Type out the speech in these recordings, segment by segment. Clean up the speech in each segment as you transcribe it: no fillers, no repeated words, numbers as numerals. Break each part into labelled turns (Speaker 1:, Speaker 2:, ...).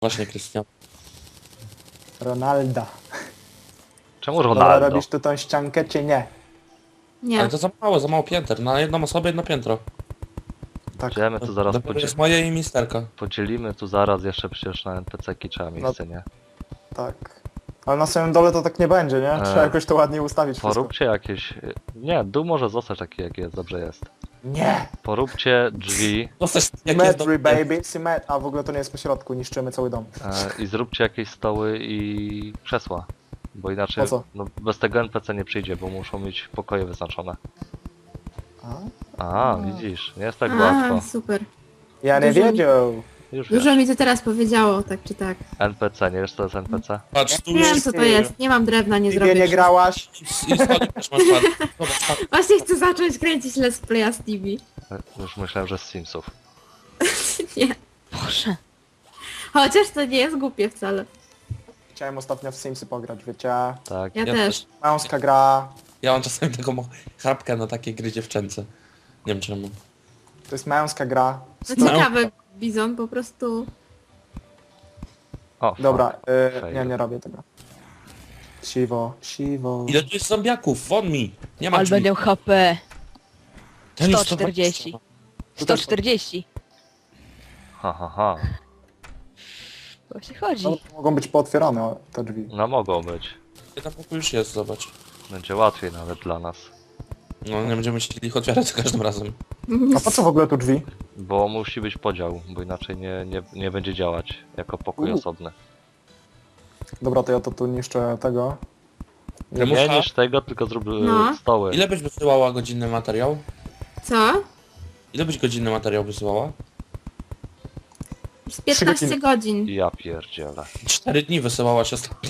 Speaker 1: Właśnie, Krystian.
Speaker 2: Ronalda.
Speaker 3: Czemu
Speaker 2: Dobra,
Speaker 3: Ronaldo?
Speaker 2: robisz tu tą ściankę, czy nie?
Speaker 4: Nie.
Speaker 1: Ale to za mało pięter. Na jedną osobę jedno piętro.
Speaker 2: Tak.
Speaker 3: Idziemy tu zaraz
Speaker 1: To jest moje i misterka.
Speaker 3: podzielimy tu zaraz jeszcze przecież na NPC-ki trzeba miejsce, nie?
Speaker 2: Tak. Ale na samym dole to tak nie będzie, nie? Trzeba jakoś to ładnie ustawić wszystko.
Speaker 3: Poróbcie jakieś... Nie, dół może zostać taki jak jest, dobrze jest.
Speaker 2: Nie!
Speaker 3: Poróbcie drzwi
Speaker 1: Dostać jak jest
Speaker 2: Symmetry, baby, symmetry. A w ogóle to nie jest po środku, niszczymy cały dom.
Speaker 3: i zróbcie jakieś stoły i krzesła. Bo inaczej
Speaker 2: Po co?
Speaker 3: no, bez tego NPC nie przyjdzie, bo muszą mieć pokoje wyznaczone.
Speaker 2: A?
Speaker 3: Widzisz, nie jest tak
Speaker 4: A,
Speaker 3: łatwo.
Speaker 4: super.
Speaker 2: Ja nie
Speaker 4: Dużo mi-
Speaker 2: wiedział.
Speaker 3: Już wiesz.
Speaker 4: Dużo mi to teraz powiedziało, tak czy tak.
Speaker 3: NPC, nie wiesz co to jest NPC?
Speaker 1: Patrz, tu
Speaker 4: Wiem
Speaker 1: jest...
Speaker 4: co to jest, nie mam drewna, nie
Speaker 2: Nigdzie
Speaker 4: zrobię.
Speaker 2: nie grałaś.
Speaker 1: I stolik też masz ładny. Zobacz, patrz.
Speaker 4: Właśnie chcę zacząć kręcić Let's Playa z TV.
Speaker 3: Już myślałem, że z Simsów.
Speaker 4: Nie. Boże. Chociaż to nie jest głupie wcale.
Speaker 2: Chciałem ostatnio w Simsy pograć, wiecie?
Speaker 3: Tak.
Speaker 4: Ja
Speaker 1: Ja
Speaker 4: też.
Speaker 2: Męska gra.
Speaker 1: Ja mam czasami taką chrapkę na takie gry dziewczęce. Nie wiem czemu.
Speaker 2: To jest męska gra.
Speaker 4: No ciekawe, Bizon, po prostu...
Speaker 3: O,
Speaker 2: Dobra,
Speaker 3: Fail.
Speaker 2: nie robię tego. Siwo, siwo.
Speaker 1: Ile tu jest zombiaków? Won mi! Nie ma
Speaker 5: Ale
Speaker 1: drzwi.
Speaker 5: będę HP.
Speaker 1: Ten jest
Speaker 5: 140. 140.
Speaker 3: ha.
Speaker 5: Właśnie chodzi.
Speaker 2: No, mogą być pootwierane te drzwi.
Speaker 3: No mogą być.
Speaker 1: Tam pokój już jest, zobacz.
Speaker 3: Będzie łatwiej nawet dla nas.
Speaker 1: No nie będziemy musieli ich otwierać za każdym razem.
Speaker 2: A po co w ogóle tu drzwi?
Speaker 3: Bo musi być podział, bo inaczej nie będzie działać jako pokój osobny.
Speaker 2: Dobra, to ja to tu niszczę tego.
Speaker 3: Nie
Speaker 1: Mucha,
Speaker 3: niż tego, tylko zrób
Speaker 4: No.
Speaker 3: stoły.
Speaker 1: ile byś wysyłała godzinny materiał?
Speaker 4: Co?
Speaker 1: Ile byś godzinny materiał wysyłała?
Speaker 4: Z 15 godzin.
Speaker 3: Ja pierdzielę.
Speaker 1: 4 dni wysyłałaś ostatnio.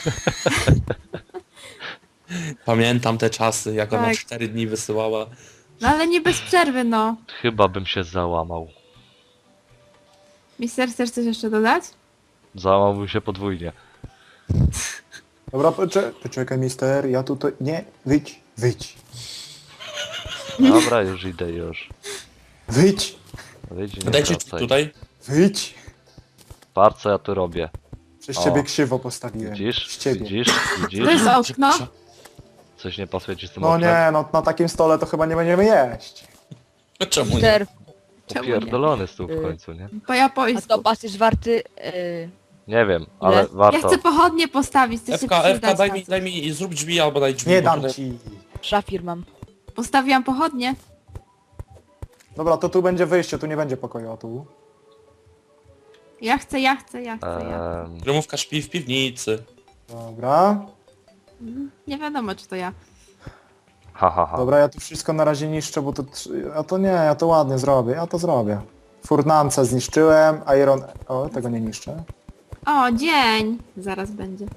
Speaker 1: Pamiętam te czasy, jak ona
Speaker 4: Tak.
Speaker 1: 4 dni wysyłała.
Speaker 4: No ale nie bez przerwy, no.
Speaker 3: Chyba bym się załamał.
Speaker 4: Mister, chcesz coś jeszcze dodać?
Speaker 3: Załamałbym się podwójnie.
Speaker 2: Dobra, poczekaj mister, ja tutaj... Nie, wyjdź.
Speaker 3: Dobra, już idę już.
Speaker 2: Wyjdź,
Speaker 3: Wyjdź i nie
Speaker 1: Dajcie
Speaker 3: wracaj.
Speaker 1: tutaj.
Speaker 2: wyjdź.
Speaker 3: Patrz co ja tu robię.
Speaker 2: Przez
Speaker 3: O.
Speaker 2: ciebie krzywo postawiłem.
Speaker 3: Widzisz?
Speaker 2: Z ciebie.
Speaker 3: Widzisz?
Speaker 4: To
Speaker 3: Widzisz?
Speaker 4: jest okno.
Speaker 3: Coś nie pasuje ci z tym
Speaker 2: No
Speaker 3: oknem?
Speaker 2: nie, no na takim stole to chyba nie będziemy jeść.
Speaker 1: Czemu nie?
Speaker 5: Mister,
Speaker 4: Czemu nie?
Speaker 3: Upierdolony stół w końcu, nie?
Speaker 4: Po
Speaker 5: a
Speaker 4: japońsku.
Speaker 5: topas jest warty...
Speaker 3: Nie wiem, ale
Speaker 5: Ile?
Speaker 3: warto.
Speaker 4: Ja chcę pochodnie postawić, chcę się
Speaker 1: Ewka,
Speaker 4: przydać.
Speaker 1: daj mi, zrób drzwi albo daj drzwi.
Speaker 2: Nie
Speaker 1: bo
Speaker 2: dam
Speaker 1: tutaj-
Speaker 2: ci.
Speaker 5: szafir mam.
Speaker 4: Postawiłam pochodnie.
Speaker 2: Dobra, to tu będzie wyjście, tu nie będzie pokoju, a tu.
Speaker 4: Ja chcę.
Speaker 1: Kremówka śpi w piwnicy.
Speaker 2: Dobra.
Speaker 4: Nie wiadomo, czy to ja.
Speaker 3: Ha.
Speaker 2: Dobra, ja tu wszystko na razie niszczę, bo to... A to nie, ja to ładnie zrobię, ja to zrobię. Furnance zniszczyłem, Iron... O, tego nie niszczę.
Speaker 4: O, dzień! Zaraz będzie.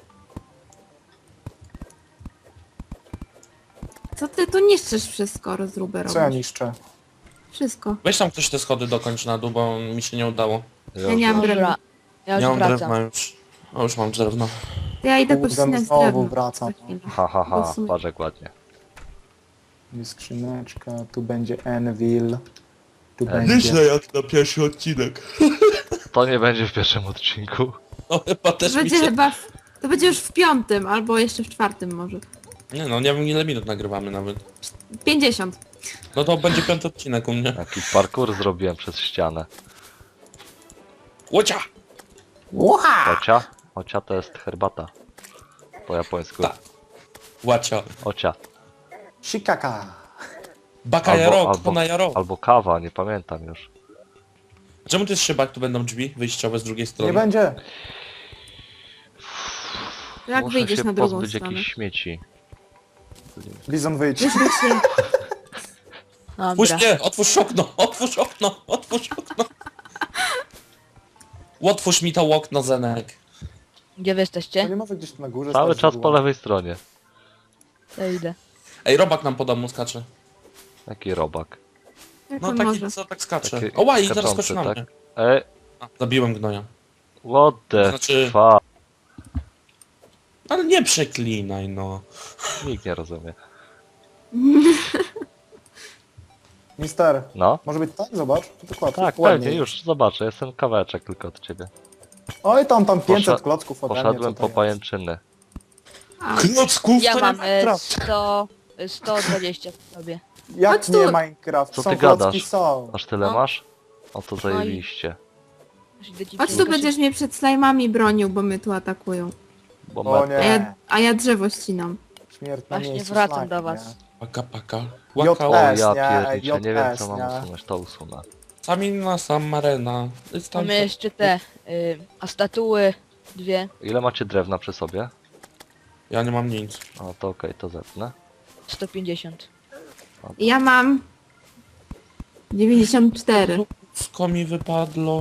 Speaker 4: Co ty tu niszczysz wszystko, rozróbę
Speaker 2: Co ja
Speaker 4: robisz?
Speaker 2: niszczę?
Speaker 4: Wszystko.
Speaker 1: Weź tam ktoś te schody dokończ na dół, bo mi się nie udało.
Speaker 4: Ja nie mam drewna.
Speaker 5: Ja
Speaker 1: Nie
Speaker 5: już
Speaker 1: mam
Speaker 5: wracam.
Speaker 1: drewna już. O, już mam drewno.
Speaker 4: To ja idę
Speaker 2: Kurde,
Speaker 4: pościnać
Speaker 2: znowu
Speaker 4: drewno.
Speaker 2: wracam.
Speaker 4: Za chwilę.
Speaker 3: Ha.
Speaker 4: Bo w sumie-
Speaker 3: Patrz jak ładnie.
Speaker 2: Jest skrzyneczka, tu będzie Anvil. Tu
Speaker 3: Nieźle
Speaker 2: będzie...
Speaker 1: jak na pierwszy odcinek.
Speaker 3: To nie będzie w pierwszym odcinku.
Speaker 1: No chyba
Speaker 4: To
Speaker 1: też mi
Speaker 4: będzie
Speaker 1: się...
Speaker 4: chyba... To będzie już w 5, albo jeszcze w 4 może.
Speaker 1: Nie no, nie wiem ile minut nagrywamy nawet.
Speaker 4: 50.
Speaker 1: No to będzie 5 odcinek u mnie.
Speaker 3: Jaki parkour zrobiłem przez ścianę.
Speaker 1: Łocia!
Speaker 3: Ocia? Ocia to jest herbata. Po japońsku.
Speaker 1: Tak. Łacia.
Speaker 3: Ocia.
Speaker 2: Shikaka.
Speaker 1: Baka jaro, kona jaro.
Speaker 3: albo kawa, nie pamiętam już.
Speaker 1: Czemu to jest szybak, tu będą drzwi wyjściowe z drugiej strony?
Speaker 2: Nie będzie.
Speaker 4: To jak
Speaker 3: Muszę
Speaker 4: wyjdziesz
Speaker 3: się
Speaker 4: na drugą
Speaker 3: pozbyć
Speaker 4: stronę?
Speaker 3: jakichś śmieci.
Speaker 2: Bizon wyjdź.
Speaker 4: Wyślij się.
Speaker 1: Puść
Speaker 5: Dobra.
Speaker 1: mnie! Otwórz okno! Otwórz okno! Otwórz okno! Otwórz mi to okno, Zenek.
Speaker 5: Gdzie wy
Speaker 2: To
Speaker 5: jesteście?
Speaker 2: nie może gdzieś tu na górze
Speaker 3: Cały
Speaker 2: stać
Speaker 3: czas po
Speaker 2: źródło.
Speaker 3: lewej stronie.
Speaker 5: Ja idę.
Speaker 1: Ej, robak nam po domu skacze.
Speaker 3: Jaki robak.
Speaker 4: Jak
Speaker 1: No
Speaker 4: on
Speaker 1: taki,
Speaker 4: może?
Speaker 1: co tak skacze.
Speaker 3: Taki
Speaker 1: O, łaj, zaraz
Speaker 3: skaczący,
Speaker 1: skoczy na
Speaker 3: tak?
Speaker 1: mnie. A, zabiłem gnoja.
Speaker 3: What the
Speaker 1: Znaczy-
Speaker 3: fuck?
Speaker 1: Ale nie przeklinaj, no.
Speaker 3: Nikt nie rozumie.
Speaker 2: Mister,
Speaker 3: No?
Speaker 2: może być tak? Zobacz. To dokładnie.
Speaker 3: Tak,
Speaker 2: ładnie
Speaker 3: pewnie, już zobaczę. Jestem kawałeczek tylko od ciebie.
Speaker 2: Oj, tam 500
Speaker 3: Poszedł-
Speaker 2: klocków ode mnie.
Speaker 3: Poszedłem
Speaker 2: co
Speaker 3: po
Speaker 2: to
Speaker 3: pajęczyny.
Speaker 4: A,
Speaker 1: Klocków
Speaker 5: Ja
Speaker 1: to
Speaker 5: mam
Speaker 1: nie Minecraft.
Speaker 5: 120 w sobie.
Speaker 2: jest? Jak
Speaker 4: Chodź
Speaker 2: nie
Speaker 4: tu.
Speaker 2: Minecraft?
Speaker 3: Co
Speaker 2: Są
Speaker 3: ty
Speaker 2: klocki,
Speaker 3: gadasz?
Speaker 2: są.
Speaker 3: Aż tyle
Speaker 5: No.
Speaker 3: masz? O to
Speaker 5: i-
Speaker 3: zajebiście.
Speaker 4: chodź tu, będziesz mnie przed slajmami bronił, bo mnie tu atakują.
Speaker 3: Bo
Speaker 2: O
Speaker 3: me...
Speaker 4: A
Speaker 2: nie,
Speaker 4: ja drzewo ścinam.
Speaker 2: śmierć na
Speaker 5: Właśnie
Speaker 2: miejscu
Speaker 5: wracam
Speaker 2: slime,
Speaker 5: do was.
Speaker 1: Paka, paka.
Speaker 2: JS.
Speaker 1: Łaka,
Speaker 3: O
Speaker 2: S,
Speaker 3: ja
Speaker 2: nie?
Speaker 3: pierniczę, nie wiem co
Speaker 2: JS,
Speaker 3: mam
Speaker 2: nie?
Speaker 3: usunąć, to usunę.
Speaker 1: Samina, Samarena.
Speaker 5: Mamy jeszcze te, a statuły 2.
Speaker 3: Ile macie drewna przy sobie?
Speaker 1: Ja nie mam nic.
Speaker 3: O to okej, to zetnę.
Speaker 5: 150.
Speaker 4: Ja mam 94.
Speaker 1: Wszystko mi wypadło.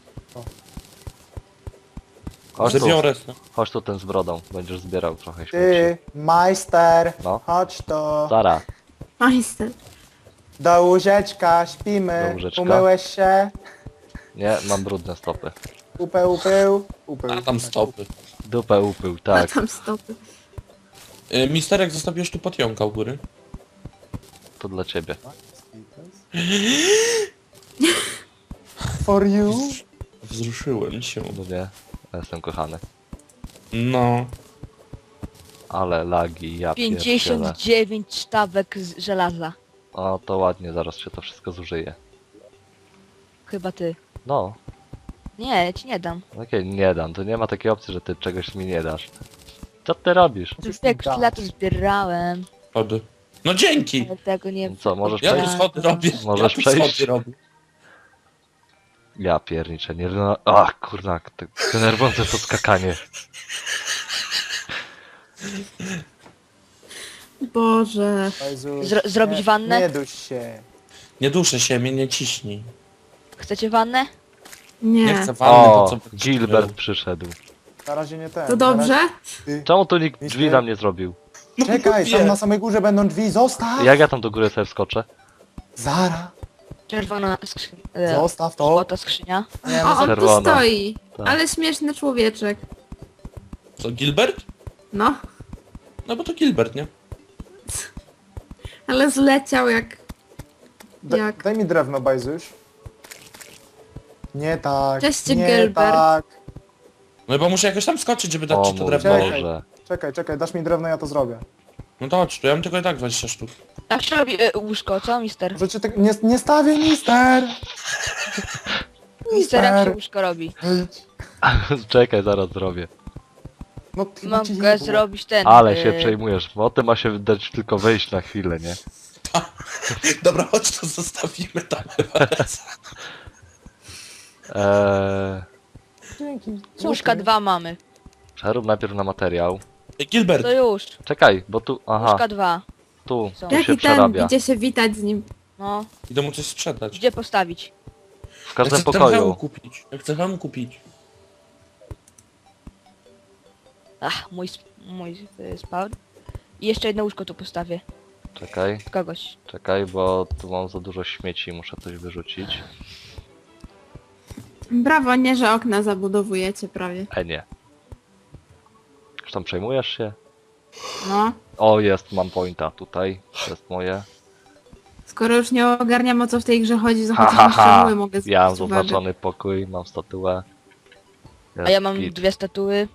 Speaker 3: Chodź tu,
Speaker 1: Zabiorę.
Speaker 3: chodź tu ten z brodą, będziesz zbierał trochę śmieci.
Speaker 2: Ty, majster,
Speaker 3: No.
Speaker 2: chodź to.
Speaker 3: Zara,
Speaker 4: Majster.
Speaker 2: Do łóżeczka, śpimy.
Speaker 3: Do łóżeczka.
Speaker 2: Umyłeś się?
Speaker 3: nie, mam brudne stopy.
Speaker 2: Upył.
Speaker 1: A tam stopy.
Speaker 3: Dupę upył,
Speaker 4: A
Speaker 3: tak.
Speaker 4: tam stopy.
Speaker 1: Misterek, zostawiłeś tu potionka u góry.
Speaker 3: To dla ciebie.
Speaker 2: For you?
Speaker 1: Wzruszyłem się.
Speaker 3: No nie, ja jestem kochany.
Speaker 1: No.
Speaker 3: Ale lagi, ja pierdzielę.
Speaker 5: 59 sztabek z żelaza.
Speaker 3: O, to ładnie, zaraz się to wszystko zużyje.
Speaker 5: Chyba ty.
Speaker 3: No,
Speaker 5: Nie, ja ci nie dam.
Speaker 3: okej, nie dam, to nie ma takiej opcji, że ty czegoś mi nie dasz. Co ty robisz?
Speaker 2: Musisz
Speaker 5: Jak
Speaker 2: mi dać.
Speaker 5: lat zbierałem,
Speaker 1: Schody. No dzięki!
Speaker 5: ale tego nie...
Speaker 3: No co, możesz
Speaker 1: Ja tu
Speaker 3: przejść?
Speaker 1: schody robię.
Speaker 3: Możesz
Speaker 1: ja tu schody
Speaker 3: przejść?
Speaker 1: robię.
Speaker 3: Ja pierniczę, nie... No, ach, kurna, to denerwujące to skakanie.
Speaker 4: Boże.
Speaker 2: Jezus,
Speaker 5: Zrobić
Speaker 2: nie-
Speaker 5: wannę?
Speaker 2: Nie duś się.
Speaker 1: Nie duszę się, mnie nie ciśnij.
Speaker 5: Chcecie wannę?
Speaker 1: Nie
Speaker 4: Nie.
Speaker 1: chcę wanny, to
Speaker 3: O,
Speaker 1: co...
Speaker 3: Gilbert przyszedł.
Speaker 2: Na razie nie ten.
Speaker 4: To dobrze?
Speaker 2: Ty.
Speaker 3: Czemu tu nikt drzwi
Speaker 2: Mister-
Speaker 3: nam nie zrobił?
Speaker 2: Czekaj,
Speaker 1: wie.
Speaker 2: tam na samej górze będą drzwi, zostaw!
Speaker 3: Jak ja tam do góry sobie wskoczę?
Speaker 2: Zara,
Speaker 5: Czerwona skrzynia.
Speaker 2: zostaw to.
Speaker 5: Złota skrzynia.
Speaker 2: Nie,
Speaker 4: O,
Speaker 2: no,
Speaker 4: on tu
Speaker 3: Czerwona.
Speaker 4: stoi.
Speaker 3: Tak.
Speaker 4: Ale śmieszny człowieczek.
Speaker 1: Co, Gilbert?
Speaker 4: No.
Speaker 1: No bo to Gilbert, nie?
Speaker 4: Ale zleciał jak... jak...
Speaker 2: Daj mi drewno, Bajzuś. Nie tak,
Speaker 4: Cześć,
Speaker 2: nie
Speaker 4: Gilbert.
Speaker 2: tak.
Speaker 1: No bo muszę jakoś tam skoczyć, żeby dać
Speaker 3: O
Speaker 1: ci to
Speaker 3: mój
Speaker 1: drewno.
Speaker 2: Czekaj.
Speaker 3: Boże.
Speaker 2: Czekaj, dasz mi drewno, ja to zrobię.
Speaker 1: No to chodź tu, ja mam tylko i tak 20 sztuk.
Speaker 5: Tak się robi łóżko, co mister?
Speaker 2: Może cię tak... Nie stawię, mister!
Speaker 5: Mister, jak się łóżko robi?
Speaker 2: Idź.
Speaker 3: Czekaj, zaraz zrobię.
Speaker 2: No chyba ci
Speaker 5: Mogę
Speaker 2: nie było.
Speaker 5: zrobić ten...
Speaker 3: Ale się przejmujesz, bo o tym ma się dać tylko wejść na chwilę, nie?
Speaker 1: Dobra, chodź to zostawimy tam.
Speaker 2: Dzięki.
Speaker 5: Łóżka 2 mamy.
Speaker 3: Przerób najpierw na materiał.
Speaker 1: Gilbert,
Speaker 5: To już.
Speaker 3: Czekaj, bo tu, aha,
Speaker 5: Łóżka 2.
Speaker 3: tu
Speaker 5: Są.
Speaker 3: się
Speaker 4: Jaki ten,
Speaker 3: przerabia.
Speaker 4: idzie się witać z nim.
Speaker 5: No,
Speaker 1: idę mu coś sprzedać.
Speaker 5: gdzie postawić?
Speaker 3: W każdym
Speaker 1: ja chcę ten hełm
Speaker 3: pokoju.
Speaker 1: kupić. Ja chcę hełm kupić.
Speaker 5: Ach, mój spawn. I jeszcze jedno łóżko tu postawię.
Speaker 3: Czekaj,
Speaker 5: Kogoś.
Speaker 3: czekaj, bo tu mam za dużo śmieci, muszę coś wyrzucić.
Speaker 4: Brawo, nie, że okna zabudowujecie prawie.
Speaker 3: Nie. Już tam przejmujesz się?
Speaker 4: No.
Speaker 3: O, jest, mam pointa tutaj. To jest moje.
Speaker 4: Skoro już nie ogarniam, o co w tej grze chodzi, to
Speaker 3: Ha,
Speaker 4: chociaż
Speaker 3: ha,
Speaker 4: na
Speaker 3: ha.
Speaker 4: szczegóły mogę
Speaker 3: Ja mam
Speaker 4: zwrócić uwagę.
Speaker 3: zaznaczony pokój, mam statuę.
Speaker 5: A ja mam
Speaker 3: Git.
Speaker 5: 2 statuły.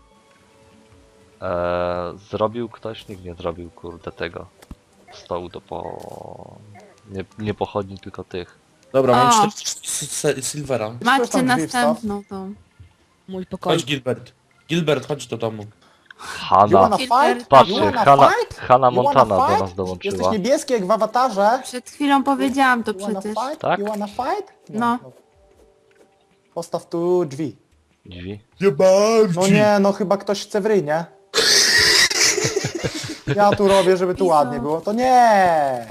Speaker 3: Zrobił ktoś? Nikt nie zrobił, kurde, tego. Stołu do po... Nie pochodni, tylko tych.
Speaker 1: Dobra, mam
Speaker 4: O.
Speaker 1: 40 silvera.
Speaker 2: Ktoś
Speaker 4: Macie
Speaker 2: tam drzwi
Speaker 4: następną tą.
Speaker 5: Mój pokój.
Speaker 1: Chodź Gilbert. Gilbert, chodź do domu.
Speaker 2: You
Speaker 3: Hanna.
Speaker 2: wanna
Speaker 4: Gilbert.
Speaker 2: fight?
Speaker 3: Patrzcie,
Speaker 2: You wanna
Speaker 3: Hanna,
Speaker 2: fight?
Speaker 3: Hanna
Speaker 2: You wanna
Speaker 3: Montana do
Speaker 2: fight?
Speaker 3: nas
Speaker 2: Jesteś
Speaker 3: dołączyła.
Speaker 2: niebieski jak w awatarze?
Speaker 4: Przed chwilą powiedziałam to
Speaker 2: You wanna
Speaker 4: przecież.
Speaker 2: fight?
Speaker 3: Tak?
Speaker 2: You wanna fight?
Speaker 4: No.
Speaker 2: Postaw tu drzwi.
Speaker 3: Drzwi.
Speaker 2: No nie, no chyba ktoś chce w ryj, nie? Ja tu robię, żeby tu
Speaker 4: I co?
Speaker 2: ładnie było. To nie!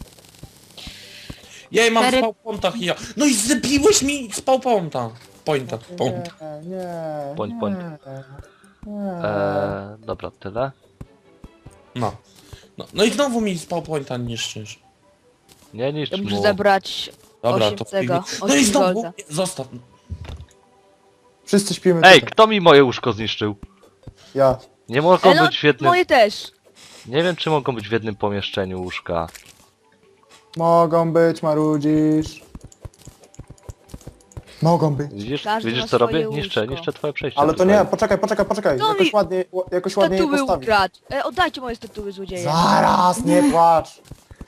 Speaker 1: Jej, mam
Speaker 4: Cztery-
Speaker 1: spał pontach i ja. No i zabiłeś mi spał ponta. Pointa. Ponta.
Speaker 2: Nie.
Speaker 3: Point.
Speaker 2: Nie.
Speaker 3: Dobra, tyle.
Speaker 1: No. No i znowu mi spał pointa niszczysz.
Speaker 3: Nie niszcz
Speaker 5: Ja muszę
Speaker 3: mu.
Speaker 5: zebrać
Speaker 1: Dobra,
Speaker 5: 8
Speaker 1: to
Speaker 5: tego.
Speaker 1: No i
Speaker 5: 8
Speaker 1: znowu.
Speaker 5: golda.
Speaker 1: Zostaw.
Speaker 2: Wszyscy śpimy
Speaker 3: Ej,
Speaker 2: tutaj.
Speaker 3: kto mi moje łóżko zniszczył?
Speaker 2: Ja.
Speaker 3: Nie mogą
Speaker 5: No,
Speaker 3: być w jednym...
Speaker 5: moje też.
Speaker 3: Nie wiem, czy mogą być w jednym pomieszczeniu łóżka.
Speaker 2: Mogą być, marudzisz. Mogą być.
Speaker 3: Widzisz,
Speaker 5: Każdy
Speaker 3: widzisz
Speaker 5: ma
Speaker 3: co robię?
Speaker 5: swoje
Speaker 3: Niszczę,
Speaker 5: łóżko.
Speaker 3: niszczę twoje przejście.
Speaker 2: Ale to nie, poczekaj.
Speaker 5: No
Speaker 2: Jakoś
Speaker 5: mi-
Speaker 2: ładnie, jakoś ładnie je
Speaker 5: Statuły
Speaker 2: postawić.
Speaker 5: ukradł! Oddajcie moje statuły, złodzieje!
Speaker 2: Zaraz, nie płacz.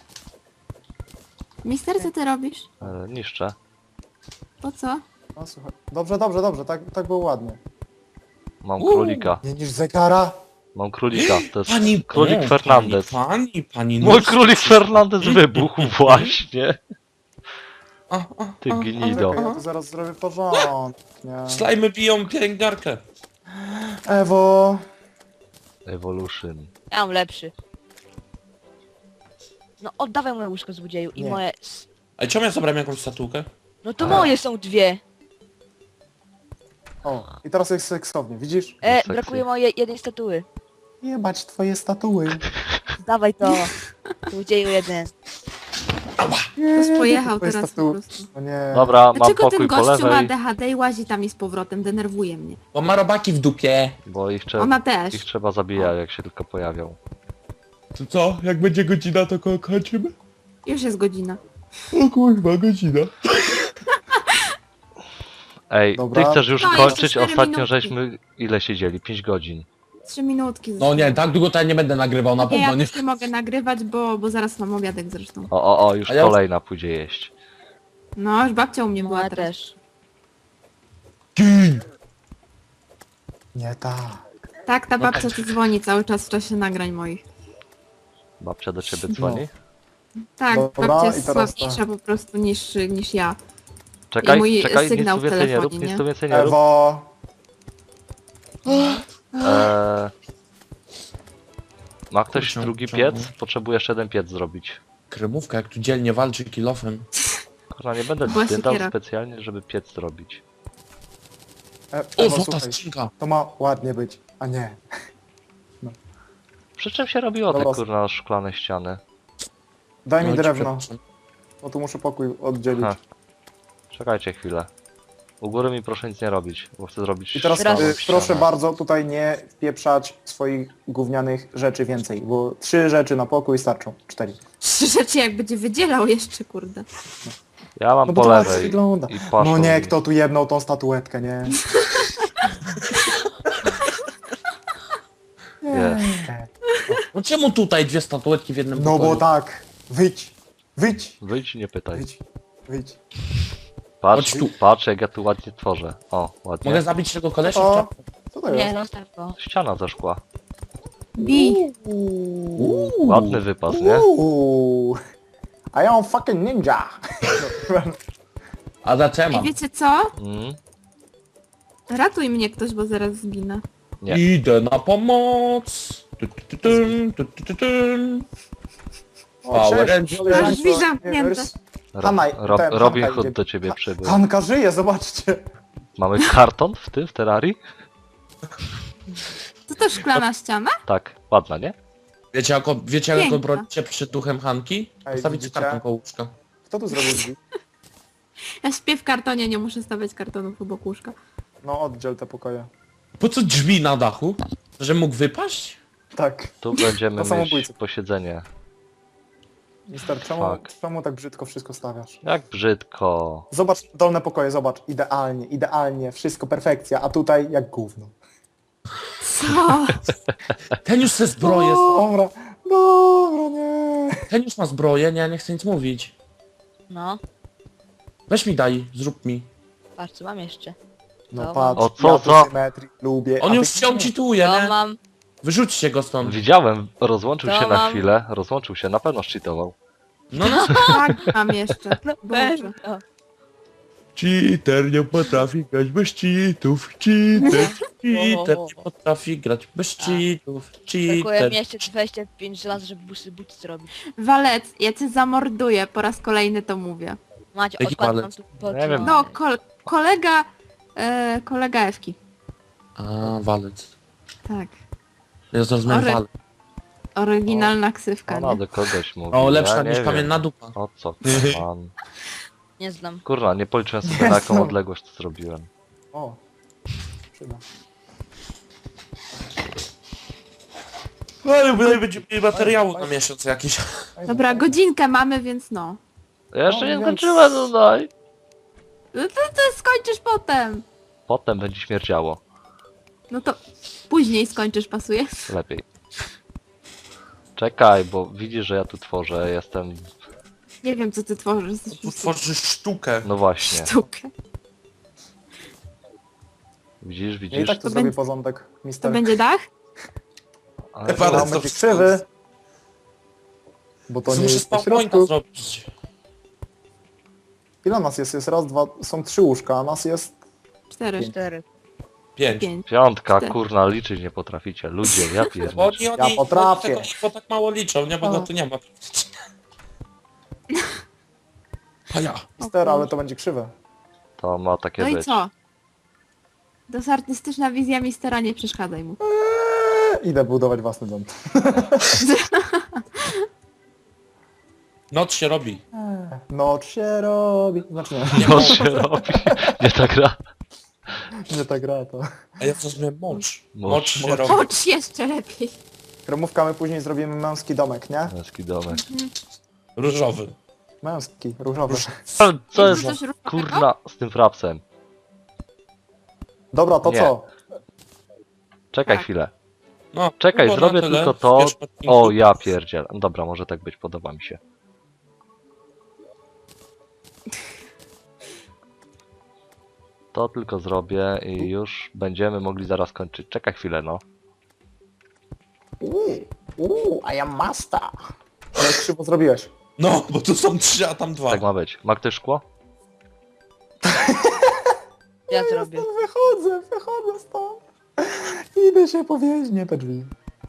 Speaker 4: Mister, co ty robisz?
Speaker 3: Niszczę.
Speaker 4: Po co?
Speaker 2: No, słuchaj. Dobrze, tak było ładnie.
Speaker 3: Mam królika.
Speaker 2: Nie niż zegara.
Speaker 3: Mam królika. To jest
Speaker 1: Pani...
Speaker 3: królik
Speaker 1: o,
Speaker 3: Fernandez.
Speaker 1: Pani...
Speaker 3: Mój królik Fernandez wybuchł właśnie. Ty gnido.
Speaker 2: Ja tu zaraz zrobię porządek, nie?
Speaker 1: Slajmy biją pielęgniarkę.
Speaker 2: Ewo.
Speaker 3: Evolution.
Speaker 5: Ja mam lepszy. No oddawaj moje łóżko, złodzieju, i
Speaker 2: Nie.
Speaker 5: moje...
Speaker 1: A czemu ja zabrałem jakąś statułkę?
Speaker 5: No to moje są dwie!
Speaker 2: O, i teraz jest seksownie, widzisz?
Speaker 3: Seksy.
Speaker 5: Brakuje mojej jednej statuły.
Speaker 2: Jebać twoje statuły.
Speaker 5: Dawaj to! Złodzieju jeden.
Speaker 4: Ktoś pojechał
Speaker 2: Twoje
Speaker 4: teraz po
Speaker 2: statuły.
Speaker 4: prostu.
Speaker 2: O nie.
Speaker 3: Dobra, mam
Speaker 4: Dlaczego
Speaker 3: pokój
Speaker 4: ten
Speaker 3: po
Speaker 4: gościu ma
Speaker 3: lewej,
Speaker 4: DHD i łazi tam i z powrotem? Denerwuje mnie.
Speaker 1: Bo ma robaki w dupie.
Speaker 3: bo ich,
Speaker 4: Ona też.
Speaker 3: ich trzeba zabijać, jak się tylko pojawią.
Speaker 1: To co? Jak będzie godzina, to kończymy?
Speaker 4: Już jest godzina.
Speaker 1: O kurwa, godzina.
Speaker 3: Ej,
Speaker 2: Dobra.
Speaker 3: ty chcesz już
Speaker 4: No, jeszcze
Speaker 3: kończyć?
Speaker 4: 4
Speaker 3: Ostatnio
Speaker 4: minutki.
Speaker 3: żeśmy ile siedzieli? 5 godzin.
Speaker 4: 3 minutki.
Speaker 1: No nie, tak długo to ja nie będę nagrywał, na
Speaker 4: Nie,
Speaker 1: pewno
Speaker 4: ja
Speaker 1: nie.
Speaker 4: też nie mogę nagrywać, bo zaraz mam obiadek zresztą.
Speaker 3: O, już
Speaker 1: A ja-
Speaker 3: kolejna pójdzie jeść.
Speaker 4: No, już babcia u mnie
Speaker 5: No
Speaker 4: była
Speaker 5: ja
Speaker 4: teraz.
Speaker 5: też.
Speaker 2: Nie tak.
Speaker 4: Tak, ta babcia tu dzwoni cały czas w czasie nagrań moich.
Speaker 3: Babcia do ciebie dzwoni?
Speaker 4: Tak,
Speaker 2: Dobra,
Speaker 4: babcia
Speaker 2: i
Speaker 4: jest
Speaker 2: teraz
Speaker 4: słabniejsza po prostu niż ja.
Speaker 3: Czekaj,
Speaker 4: I mój
Speaker 3: czekaj, nic
Speaker 4: sygnał
Speaker 3: tu
Speaker 4: w
Speaker 3: więcej nie rób,
Speaker 4: telefonie,
Speaker 3: nic
Speaker 4: nie?
Speaker 3: tu więcej nie rób.
Speaker 2: Ewo.
Speaker 3: Ma ktoś
Speaker 1: Kurczę,
Speaker 3: drugi
Speaker 1: czemu?
Speaker 3: piec? Potrzebuję jeszcze jeden piec zrobić.
Speaker 1: Kremówka, jak tu dzielnie walczy kilofem.
Speaker 3: Kurwa, nie będę
Speaker 4: Była
Speaker 3: zdjętał
Speaker 4: siekiera.
Speaker 3: specjalnie, żeby piec zrobić.
Speaker 1: O,
Speaker 2: Ewo,
Speaker 1: złota
Speaker 2: słuchaj.
Speaker 1: skrzynka.
Speaker 2: To ma ładnie być, a nie.
Speaker 3: Przy czym się robiło te
Speaker 2: Dobra.
Speaker 3: kurna szklane ściany?
Speaker 2: Daj mi
Speaker 1: No, ci
Speaker 2: drewno,
Speaker 1: przepraszam.
Speaker 2: bo tu muszę pokój oddzielić.
Speaker 3: Ha. Czekajcie chwilę. U góry mi proszę nic nie robić, bo chcę zrobić
Speaker 2: I teraz
Speaker 5: Raz.
Speaker 3: szklaną
Speaker 2: proszę
Speaker 3: ścianę.
Speaker 2: bardzo tutaj nie pieprzać swoich gównianych rzeczy więcej, bo 3 rzeczy na pokój starczą. 4.
Speaker 4: 3 rzeczy jak będzie wydzielał jeszcze, kurde.
Speaker 3: Ja mam
Speaker 2: No bo
Speaker 3: po
Speaker 2: to ładnie
Speaker 3: lewej
Speaker 2: wygląda.
Speaker 3: i paszą
Speaker 2: No nie,
Speaker 3: mi.
Speaker 2: kto tu jebnął tą statuetkę, nie?
Speaker 3: Jest.
Speaker 1: No czemu tutaj dwie statuetki w jednym
Speaker 2: No
Speaker 1: pokoju?
Speaker 2: bo tak. Wyjdź.
Speaker 3: Wyjdź, nie pytaj.
Speaker 2: Wyjdź.
Speaker 3: Patrz,
Speaker 1: Chodź tu.
Speaker 3: patrz jak ja tu ładnie tworzę. O, ładnie.
Speaker 1: Mogę zabić tego kolesia?
Speaker 2: O,
Speaker 1: w czapce?
Speaker 2: co to
Speaker 5: Nie,
Speaker 2: jest?
Speaker 5: zostaw go.
Speaker 3: Ściana ze szkła.
Speaker 4: Bij.
Speaker 3: Ładny wypas, nie?
Speaker 2: Uuu. I am fucking ninja.
Speaker 1: A za co ja
Speaker 4: I
Speaker 1: mam?
Speaker 4: wiecie co?
Speaker 3: Mm,
Speaker 4: Ratuj mnie ktoś, bo zaraz zginę.
Speaker 3: nie.
Speaker 1: Idę na pomoc. Tu. Power Rangers.
Speaker 4: Masz drzwi zamknięte.
Speaker 2: Hanaj, ten,
Speaker 3: Robin
Speaker 2: Hanka
Speaker 3: Hood
Speaker 2: idzie.
Speaker 3: do ciebie przybył.
Speaker 2: Hanka żyje, zobaczcie.
Speaker 3: Mamy karton w tym, w Terrarii?
Speaker 4: To też szklana ściana?
Speaker 3: Tak, ładna, nie?
Speaker 1: Wiecie jak
Speaker 4: Piękna.
Speaker 1: obronicie przed duchem Hanki?
Speaker 2: Ej,
Speaker 1: Postawicie
Speaker 2: widzicie?
Speaker 1: kartą koło łóżka.
Speaker 2: Kto tu zrobił drzwi?
Speaker 4: Ja śpię w kartonie, nie muszę stawiać kartonów obok łóżka.
Speaker 2: No oddziel te pokoje.
Speaker 1: Po co drzwi na dachu? Że mógł wypaść?
Speaker 2: Tak.
Speaker 3: Tu będziemy
Speaker 2: To
Speaker 3: mieć
Speaker 2: samobójcy.
Speaker 3: posiedzenie.
Speaker 2: Mister,
Speaker 3: Fuck.
Speaker 2: czemu tak brzydko wszystko stawiasz?
Speaker 3: Jak brzydko.
Speaker 2: Zobacz dolne pokoje, zobacz. Idealnie, idealnie, wszystko perfekcja, a tutaj jak gówno.
Speaker 4: Co?
Speaker 1: Ten już se zbroję.
Speaker 2: Dobra, dobra, nie.
Speaker 1: Ten już ma zbroję, nie, ja nie chcę nic mówić.
Speaker 5: No,
Speaker 1: Weź mi daj, zrób mi.
Speaker 5: patrz co mam jeszcze.
Speaker 2: No
Speaker 5: To
Speaker 2: patrz,
Speaker 3: O, co
Speaker 2: ja
Speaker 3: za-
Speaker 2: tu symetrii lubię.
Speaker 1: On
Speaker 2: a
Speaker 1: już
Speaker 2: ty
Speaker 1: się
Speaker 2: nie.
Speaker 1: cheatuje,
Speaker 5: To
Speaker 1: nie?
Speaker 5: mam.
Speaker 1: Wyrzućcie go stąd.
Speaker 3: Widziałem, rozłączył
Speaker 5: To
Speaker 3: się na
Speaker 5: mam-
Speaker 3: chwilę, rozłączył się, na pewno szczytował.
Speaker 1: No,
Speaker 4: Tak mam jeszcze. Boże.
Speaker 5: No.
Speaker 1: Cheater nie potrafi grać bez cheatów. Cheater nie potrafi grać bez cheatów.
Speaker 5: Brakuje
Speaker 1: Cheater.
Speaker 5: mi jeszcze 25 żelaz, żeby buty zrobić.
Speaker 4: Walec, ja cię zamorduję, po raz kolejny to mówię.
Speaker 5: Macie,
Speaker 1: Jaki
Speaker 5: odkładam
Speaker 1: palec?
Speaker 5: tu
Speaker 3: Nie wiem.
Speaker 4: No, kolega... kolega Ewki.
Speaker 1: A, walec.
Speaker 4: Tak.
Speaker 1: Ja zrozumiałem
Speaker 4: Ory-
Speaker 1: walec.
Speaker 4: Oryginalna ksywka,
Speaker 3: Ona
Speaker 4: nie?
Speaker 3: do kogoś mówi.
Speaker 1: O, lepsza
Speaker 3: ja nie
Speaker 1: niż
Speaker 3: wiem.
Speaker 1: kamienna dupa.
Speaker 3: O co pan?
Speaker 5: Nie znam.
Speaker 3: Kurwa, nie policzyłem sobie na jaką
Speaker 2: Jezu.
Speaker 3: odległość to zrobiłem.
Speaker 2: O, przyda.
Speaker 1: Ale tutaj będzie mieli materiału na miesiąc jakiś.
Speaker 4: Dobra, godzinkę mamy, więc no.
Speaker 3: Ja jeszcze
Speaker 2: No,
Speaker 3: nie
Speaker 2: więc-
Speaker 3: skończyłem tutaj.
Speaker 4: No to skończysz potem.
Speaker 3: Potem będzie śmierdziało.
Speaker 4: No to później skończysz, pasuje?
Speaker 3: Lepiej. Czekaj, bo widzisz, że ja tu tworzę, jestem...
Speaker 4: Nie wiem, co ty tworzysz. Jesteś
Speaker 1: Tu tworzysz sztukę.
Speaker 3: No właśnie.
Speaker 4: sztukę.
Speaker 3: Widzisz,
Speaker 2: Ja i
Speaker 3: widzisz?
Speaker 2: tak tu
Speaker 4: To
Speaker 2: zrobię
Speaker 4: będzie-
Speaker 2: porządek,
Speaker 4: To
Speaker 2: mister.
Speaker 4: będzie dach?
Speaker 3: Ale
Speaker 1: Ewa,
Speaker 2: No,
Speaker 1: ale
Speaker 2: będzie
Speaker 1: to-
Speaker 2: krzywy. Bo to nie
Speaker 1: Muszę
Speaker 2: jest po
Speaker 1: spawnointa
Speaker 2: środku.
Speaker 1: zrobić.
Speaker 2: Ile nas jest? Jest raz, dwa, są 3 łóżka, a nas jest...
Speaker 4: 4,
Speaker 5: 4.
Speaker 1: 5.
Speaker 4: 5.
Speaker 3: Piątka,
Speaker 4: Cztery.
Speaker 3: kurna, liczyć nie potraficie. Ludzie, ja
Speaker 1: Bo
Speaker 3: pierdolę.
Speaker 1: oni
Speaker 2: potrafię.
Speaker 1: Bo tak mało liczą, nie? Bo
Speaker 2: O.
Speaker 1: go tu nie ma. A ja.
Speaker 2: Mister, ale to będzie krzywe.
Speaker 3: To ma takie
Speaker 4: No i
Speaker 3: być.
Speaker 4: co? To jest artystyczna wizja mistera, nie przeszkadzaj mu.
Speaker 2: Idę budować własny dom.
Speaker 1: Noc się robi.
Speaker 2: Noc się robi. Znaczy nie,
Speaker 3: No się robi. Nie ta gra.
Speaker 2: nie ta gra to.
Speaker 1: A ja zrozumiałem mocz.
Speaker 3: Mocz.
Speaker 1: Mocz się
Speaker 2: Mocz.
Speaker 1: robi.
Speaker 4: Chodź jeszcze lepiej.
Speaker 2: Kremówka, my później zrobimy męski domek, nie?
Speaker 3: Męski domek.
Speaker 1: Różowy.
Speaker 2: Męski, różowy.
Speaker 3: Co jest
Speaker 4: Coś różowego?
Speaker 3: kurna z tym frapsem?
Speaker 2: Dobra, to
Speaker 3: Nie.
Speaker 2: co?
Speaker 3: Czekaj
Speaker 4: Tak.
Speaker 3: chwilę.
Speaker 1: No,
Speaker 3: Czekaj,
Speaker 1: było
Speaker 3: zrobię
Speaker 1: na tyle.
Speaker 3: tylko to.
Speaker 1: Wiesz, odcinku.
Speaker 3: O, ja pierdziel. Dobra, może tak być, podoba mi się. To tylko zrobię i już będziemy mogli zaraz kończyć. Czekaj chwilę, no.
Speaker 2: I am master. Ale krzywo zrobiłeś.
Speaker 1: No, bo tu są 3, a tam 2.
Speaker 3: Tak ma być. Ma ktoś szkło?
Speaker 5: Ja zrobię.
Speaker 2: Wychodzę stąd. Idę się powiesić, nie te drzwi.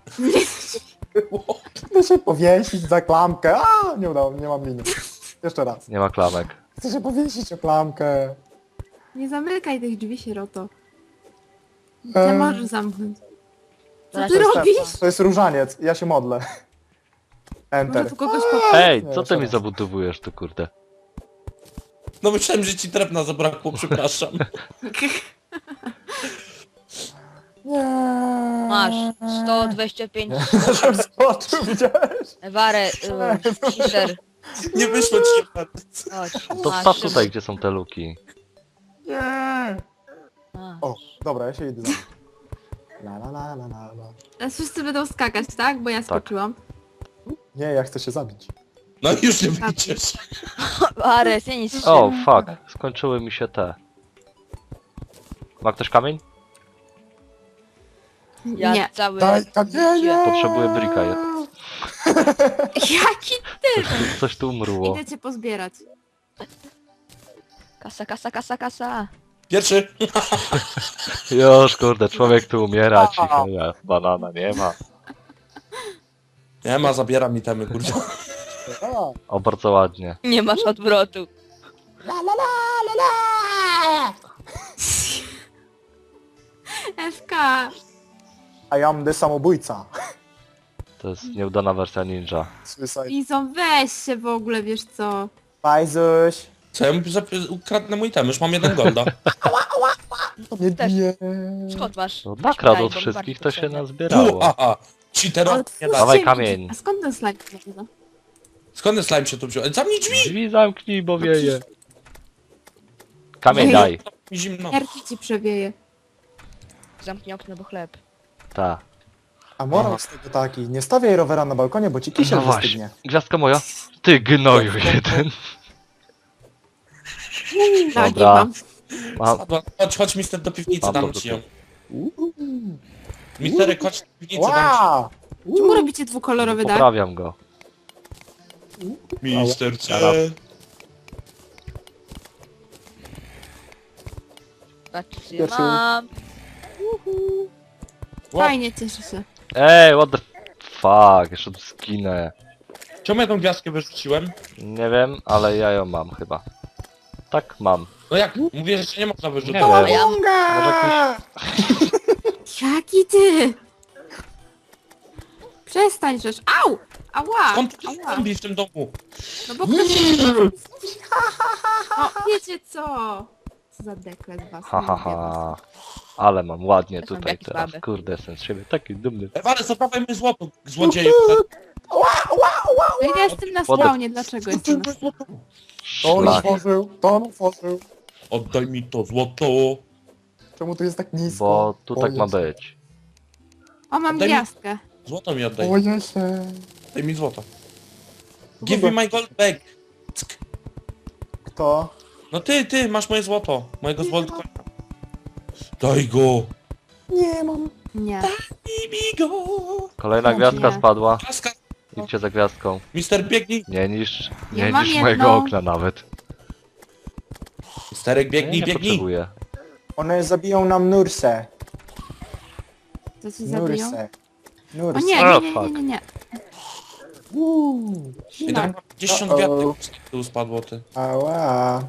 Speaker 2: Idę się powiesić za klamkę. A, nie udało, nie mam liny. Jeszcze raz.
Speaker 3: Nie ma klamek.
Speaker 2: Chcę się powiesić o klamkę.
Speaker 4: Nie zamykaj tych drzwi, sieroto. Nie możesz zamknąć. Co
Speaker 5: Zaraz
Speaker 4: ty
Speaker 5: się
Speaker 4: robisz?
Speaker 2: To jest różaniec, ja się modlę.
Speaker 4: Może
Speaker 2: Enter.
Speaker 4: tu kogoś pokoju.
Speaker 3: Ej,
Speaker 2: Nie,
Speaker 3: co ty
Speaker 2: jeszcze
Speaker 3: mi
Speaker 2: raz.
Speaker 3: zabudowujesz tu, kurde?
Speaker 1: No myślałem, że ci drewna zabrakło, przepraszam.
Speaker 2: Nie.
Speaker 5: Masz 125
Speaker 2: Żebym skoczył, widziałeś?
Speaker 5: warę, Mister.
Speaker 1: Nie wyszło ci
Speaker 5: Chodź.
Speaker 3: To
Speaker 5: Masz,
Speaker 3: wstaw
Speaker 5: Szymon.
Speaker 3: tutaj, gdzie są te luki.
Speaker 2: Nie.
Speaker 5: Masz.
Speaker 2: O, dobra, ja się idę za. La la la la la la.
Speaker 4: Teraz wszyscy będą skakać, tak? Bo ja skoczyłam.
Speaker 2: Nie, ja chcę się zabić.
Speaker 1: No już nie wyjdziesz.
Speaker 5: Ares, ja nic
Speaker 3: O, fuck. Skończyły mi się te. Ma ktoś kamień?
Speaker 5: Ja
Speaker 4: Nie.
Speaker 5: cały...
Speaker 2: Daj kamienie!
Speaker 3: Potrzebuję brika.
Speaker 4: Jaki?
Speaker 3: Coś tu umrło.
Speaker 4: Idę cię pozbierać.
Speaker 5: Kasa, kasa, kasa, kasa.
Speaker 1: Pierwszy.
Speaker 3: Już, kurde, człowiek tu umiera, cicho, ja, banana nie ma.
Speaker 1: Nie ma, zabiera mi temy, kurde.
Speaker 2: A,
Speaker 3: O, bardzo ładnie.
Speaker 5: Nie masz odwrotu.
Speaker 2: la la la la la!
Speaker 4: FK.
Speaker 2: I am the samobójca.
Speaker 3: To jest nieudana wersja ninja.
Speaker 2: Suicide.
Speaker 4: Izą, weź się w ogóle, wiesz co?
Speaker 2: Bajzuś.
Speaker 1: Co, ja mu ukradnę mój tem, już mam 1 golda.
Speaker 2: Nie
Speaker 5: Też.
Speaker 2: bije.
Speaker 5: Skąd masz?
Speaker 3: No, nakradł
Speaker 5: Daj,
Speaker 3: od
Speaker 5: bo
Speaker 3: wszystkich,
Speaker 5: bardzo
Speaker 3: to się
Speaker 5: potrzebne.
Speaker 3: nazbierało.
Speaker 1: Aha, cheaterowie nie da.
Speaker 3: Dawaj
Speaker 4: Otwórzcie
Speaker 3: kamień.
Speaker 4: mi- A skąd ten slime? No?
Speaker 1: Skąd ten slime się tu wziął? Zamknij drzwi!
Speaker 3: Drzwi zamknij, bo wieje. Kamień
Speaker 4: Ej.
Speaker 3: daj.
Speaker 1: Mi zimno.
Speaker 4: Jarki ci przewieje.
Speaker 5: Zamknij okno, bo chleb.
Speaker 3: Ta.
Speaker 2: A morał z tego taki, nie stawiaj rowera na balkonie, bo ci kisiel
Speaker 3: No właśnie.
Speaker 2: wystygnie.
Speaker 3: Gwiazdka moja. Ty gnoju jeden.
Speaker 4: Tak,
Speaker 3: Dobra.
Speaker 4: mam.
Speaker 3: Mam.
Speaker 1: Chodź mister do piwnicy,
Speaker 3: Mam
Speaker 1: dam
Speaker 3: to
Speaker 1: ci ją.
Speaker 2: Uuu.
Speaker 1: Misterek, chodź do piwnicy, dam
Speaker 2: Wow!
Speaker 4: Czemu robicie dwukolorowy dach?
Speaker 3: Poprawiam go.
Speaker 1: ci. Mister C.
Speaker 3: Zaraz.
Speaker 5: Patrzcie,
Speaker 2: Pierwszy.
Speaker 5: mam.
Speaker 4: Fajnie, cieszę się.
Speaker 3: Ej, what the fuck, jeszcze tu skinę.
Speaker 1: Czemu ja tą gwiazdkę wyrzuciłem?
Speaker 3: Nie wiem, ale ja ją mam chyba. Tak, mam.
Speaker 1: No jak? Mówię, że nie można wyrzucić.
Speaker 3: Nie wiem.
Speaker 5: A ja
Speaker 3: Może jakiś...
Speaker 4: Jaki ty? Przestań rzecz. Au! Ała!
Speaker 1: Skąd tu
Speaker 4: Ała!
Speaker 1: zombie w tym domu?
Speaker 4: No bo ktoś... O, wiecie co? Co za dekle z was.
Speaker 3: Ha,
Speaker 4: nie
Speaker 3: ha,
Speaker 4: lubię was.
Speaker 3: ha. Ale mam ładnie
Speaker 5: Ja są
Speaker 3: tutaj
Speaker 5: jakieś
Speaker 3: teraz.
Speaker 5: baby.
Speaker 3: Kurde, jestem z siebie taki dumny.
Speaker 1: Ewane, zabrałem mi złoto, złodzieju.
Speaker 4: No i ja jestem na spawnie, dlaczego jestem na spawnie?
Speaker 2: To on
Speaker 3: Szlak.
Speaker 2: otworzył, to on otworzył.
Speaker 1: Oddaj mi to złoto.
Speaker 2: Czemu tu jest tak nisko?
Speaker 3: Bo tu tak ma
Speaker 2: Jezu.
Speaker 3: być.
Speaker 4: O, mam
Speaker 1: Oddaj mi-
Speaker 4: gwiazdkę.
Speaker 1: Złoto mi oddaj.
Speaker 2: Boję się.
Speaker 1: Daj mi złoto. Give me my gold back. Ck.
Speaker 2: Kto?
Speaker 1: No ty, masz moje złoto. Mojego złota. Daj go.
Speaker 2: Nie mam.
Speaker 4: Nie.
Speaker 1: Daj mi go.
Speaker 3: Kolejna
Speaker 4: No,
Speaker 3: gwiazdka
Speaker 4: nie.
Speaker 3: spadła.
Speaker 1: Laska.
Speaker 3: Idźcie za gwiazdką.
Speaker 1: Mister, biegnij.
Speaker 3: Nie niż,
Speaker 4: Ja
Speaker 3: nie
Speaker 4: mam
Speaker 3: niż
Speaker 4: jedną.
Speaker 3: mojego okna nawet.
Speaker 1: Misterek, biegnij,
Speaker 3: nie
Speaker 1: biegnij.
Speaker 3: potrzebuję.
Speaker 2: One zabiją nam Nursę.
Speaker 4: Co ci zabiją?
Speaker 2: Nursę.
Speaker 4: O
Speaker 2: Nursę.
Speaker 4: nie,
Speaker 3: O,
Speaker 4: nie, nie,
Speaker 3: fuck.
Speaker 4: nie, nie, nie.
Speaker 1: I tam 50
Speaker 2: Uh-oh.
Speaker 1: gwiazdek tu spadło, ty.
Speaker 2: Ała.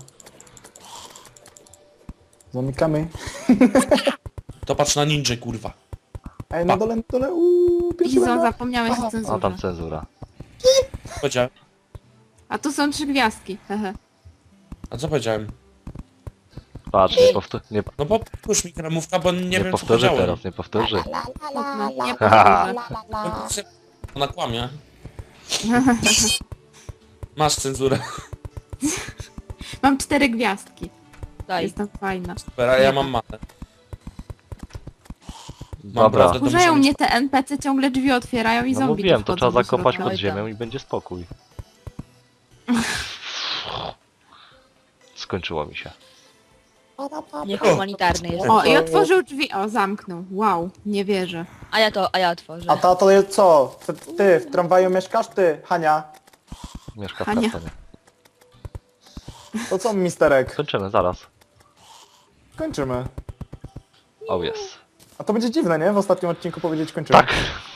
Speaker 2: Zamykamy.
Speaker 1: To patrz na ninja, kurwa.
Speaker 2: Ej, na dole, pierwszy
Speaker 4: Izo,
Speaker 2: będę.
Speaker 4: zapomniałeś o
Speaker 3: A
Speaker 4: cenzurze.
Speaker 3: tam cenzura.
Speaker 1: Powiedziałem.
Speaker 4: A tu są 3 gwiazdki. Hehe.
Speaker 1: A co powiedziałem?
Speaker 3: Patrz, nie,
Speaker 1: No powtórz mi kremówka, bo nie
Speaker 3: nie
Speaker 1: wiem co
Speaker 3: powtórzy
Speaker 1: powiedziałem.
Speaker 3: teraz, nie powtórzy.
Speaker 4: Nie powtórzę.
Speaker 1: Ona kłamie. Masz cenzurę.
Speaker 4: Mam 4 gwiazdki.
Speaker 5: Daj.
Speaker 4: Jestem fajna.
Speaker 1: Super, a ja mam manę.
Speaker 3: Dobra,
Speaker 1: prawdę. To
Speaker 4: Wkurzają
Speaker 1: muszę
Speaker 4: mnie
Speaker 1: mieć-
Speaker 4: te NPC, ciągle drzwi otwierają i
Speaker 3: no
Speaker 4: zombie
Speaker 3: mówiłem,
Speaker 4: tu
Speaker 3: to
Speaker 4: wchodzą
Speaker 3: trzeba
Speaker 4: do
Speaker 3: zakopać
Speaker 4: środka.
Speaker 3: pod
Speaker 5: Oj tam.
Speaker 3: ziemią i będzie spokój. Skończyło mi się.
Speaker 5: Niehumanitarny jest.
Speaker 4: O, i otworzył drzwi. O, zamknął. Wow, nie wierzę.
Speaker 5: A ja otworzę.
Speaker 2: A ta to jest co? Ty w tramwaju mieszkasz? Ty, Hania.
Speaker 3: Mieszka w
Speaker 4: Hania.
Speaker 3: kartonie.
Speaker 2: To co, misterek?
Speaker 3: Kończymy, zaraz.
Speaker 2: Kończymy.
Speaker 3: Oh jest.
Speaker 2: A to będzie dziwne, nie? W ostatnim odcinku powiedzieć kończymy.
Speaker 3: Tak.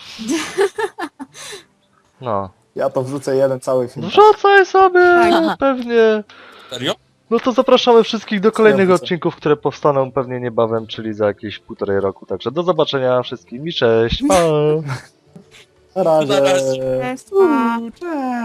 Speaker 3: No.
Speaker 2: Ja to wrzucę jeden cały film.
Speaker 3: Wrzucaj sobie,
Speaker 4: Tak.
Speaker 3: pewnie.
Speaker 1: Serio?
Speaker 3: No to zapraszamy wszystkich do kolejnych
Speaker 2: wrzucę.
Speaker 3: odcinków, które powstaną pewnie niebawem, czyli za jakieś 1,5 roku. Także do zobaczenia wszystkim i cześć. Pa!
Speaker 2: Na razie.
Speaker 1: Na razie.
Speaker 4: Cześć, pa.
Speaker 2: Cześć.